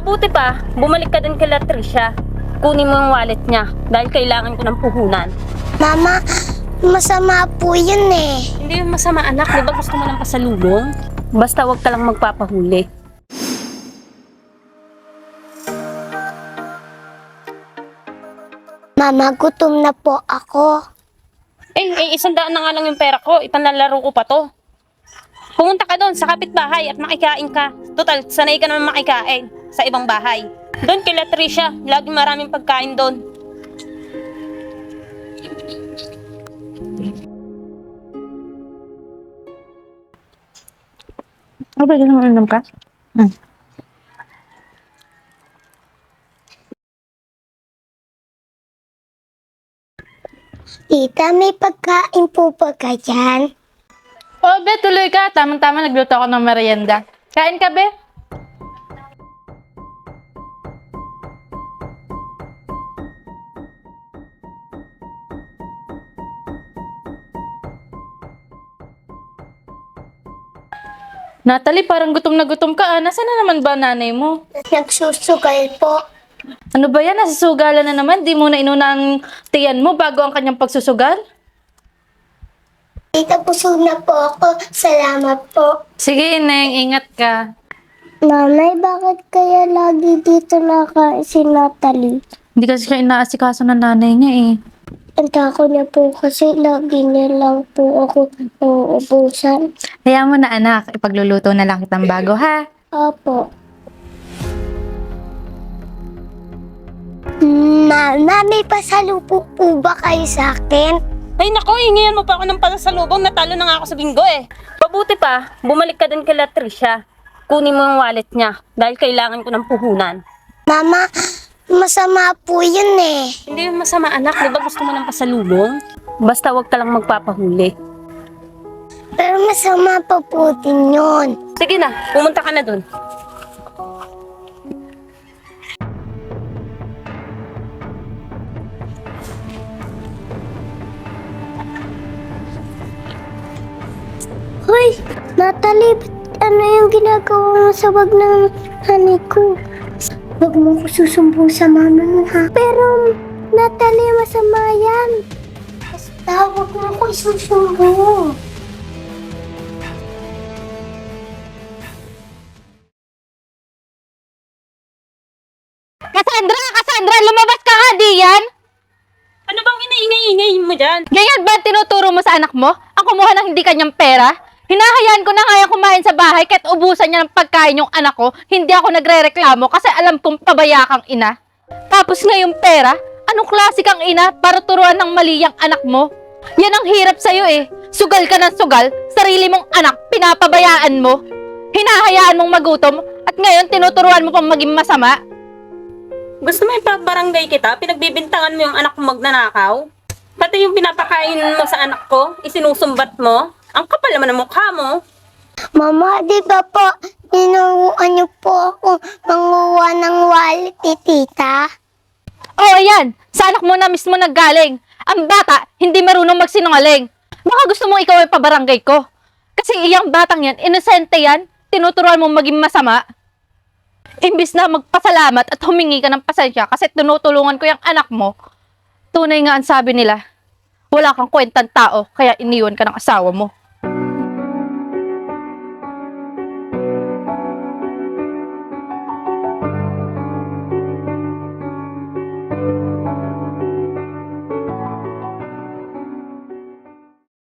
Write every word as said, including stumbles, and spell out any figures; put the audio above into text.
Mabuti pa, bumalik ka din kay Latricia. Kunin mo yung wallet niya dahil kailangan ko ng puhunan. Mama, masama po yun eh. Hindi yung masama anak, di ba gusto mo ng pasalubong? Basta wag ka lang magpapahuli. Mama, gutom na po ako. Eh, eh isang daan na nga lang yung pera ko, ipanlalaro ko pa to. Pumunta ka doon sa kapitbahay at makikain ka. Total, sanay ka naman makikain sa ibang bahay. Doon kay Latricia, lagi maraming pagkain doon. Oh, pwede naman uminom ka? Hmm. Tita, may pagkain po ba ka dyan? Oh, be, tuloy ka. Tamang-tama, nagluto ako ng merienda. Kain ka, be? Natalie, parang gutom na gutom ka. Ah. Nasaan na naman ba nanay mo? Nagsusugal po. Ano ba yan? Nasasugalan na naman. Di mo na inuna ang tiyan mo bago ang kanyang pagsusugal? Tita, busog na po ako. Salamat po. Sige, Neng. Ingat ka. Nanay, bakit kaya lagi dito nakain si Natalie? Hindi kasi siya inaasikaso ng nanay niya eh. Ang tako niya po kasi lagi niya lang po ako uubusan. Kaya mo na anak, ipagluluto na lang kitang bago ha. Opo. Mama, may pasalubong po ba kayo sa akin? Ay nako, hingihan mo pa ako ng pasalubong, natalo na nga ako sa bingo eh. Mabuti pa, bumalik ka din kay Latricia. Kunin mo yung wallet niya dahil kailangan ko ng puhunan. Mama, masama po yun eh. Hindi yung masama anak, di ba gusto mo ng pasalubong? Basta wag ka lang magpapahuli. Pero masama pa po din yun. Sige na, pumunta ka na dun. Hoy, Natalie, ba't ano yung ginagawa mo sa bag ng honey ko? Huwag mo ko susumbong sa mama mo ha. Pero, Natalie, masama yan. Basta, huwag mo ko isusumbong. Cassandra! Cassandra! Lumabas ka nga, di yan! Ano bang inaingay-ingay mo dyan? Ganyan ba ang tinuturo mo sa anak mo? Ang kumuha ng hindi kanyang pera? Hinahayaan ko na nga yung kumain sa bahay kahit ubusan niya ng pagkain yung anak ko, hindi ako nagre-reklamo kasi alam kong pabaya kang ina. Tapos ngayong pera, anong klase kang ina para turuan ng mali yung anak mo? Yan ang hirap sa'yo eh. Sugal ka ng sugal, sarili mong anak, pinapabayaan mo. Hinahayaan mong magutom at ngayon tinuturuan mo pang maging masama. Gusto mo ipabarangay kita? Pinagbibintangan mo yung anak mo magnanakaw? Pati yung pinapakain mo sa anak ko, isinusumbat mo? Ang kapal naman ng mukha mo. Mama, di ba po, tinuruan niyo po ako manguha ng wallet ni tita? Oh, ayan. Sa anak mo na mismo naggaling. Ang bata, hindi marunong magsinungaling. Baka gusto mo ikaw ay pabarangay ko. Kasi iyang batang yan, inosente yan, tinuturuan mo maging masama. Imbis na magpasalamat at humingi ka ng pasensya kasi tinutulungan ko yung anak mo, tunay nga ang sabi nila, wala kang kwentang tao, kaya iniwan ka ng asawa mo.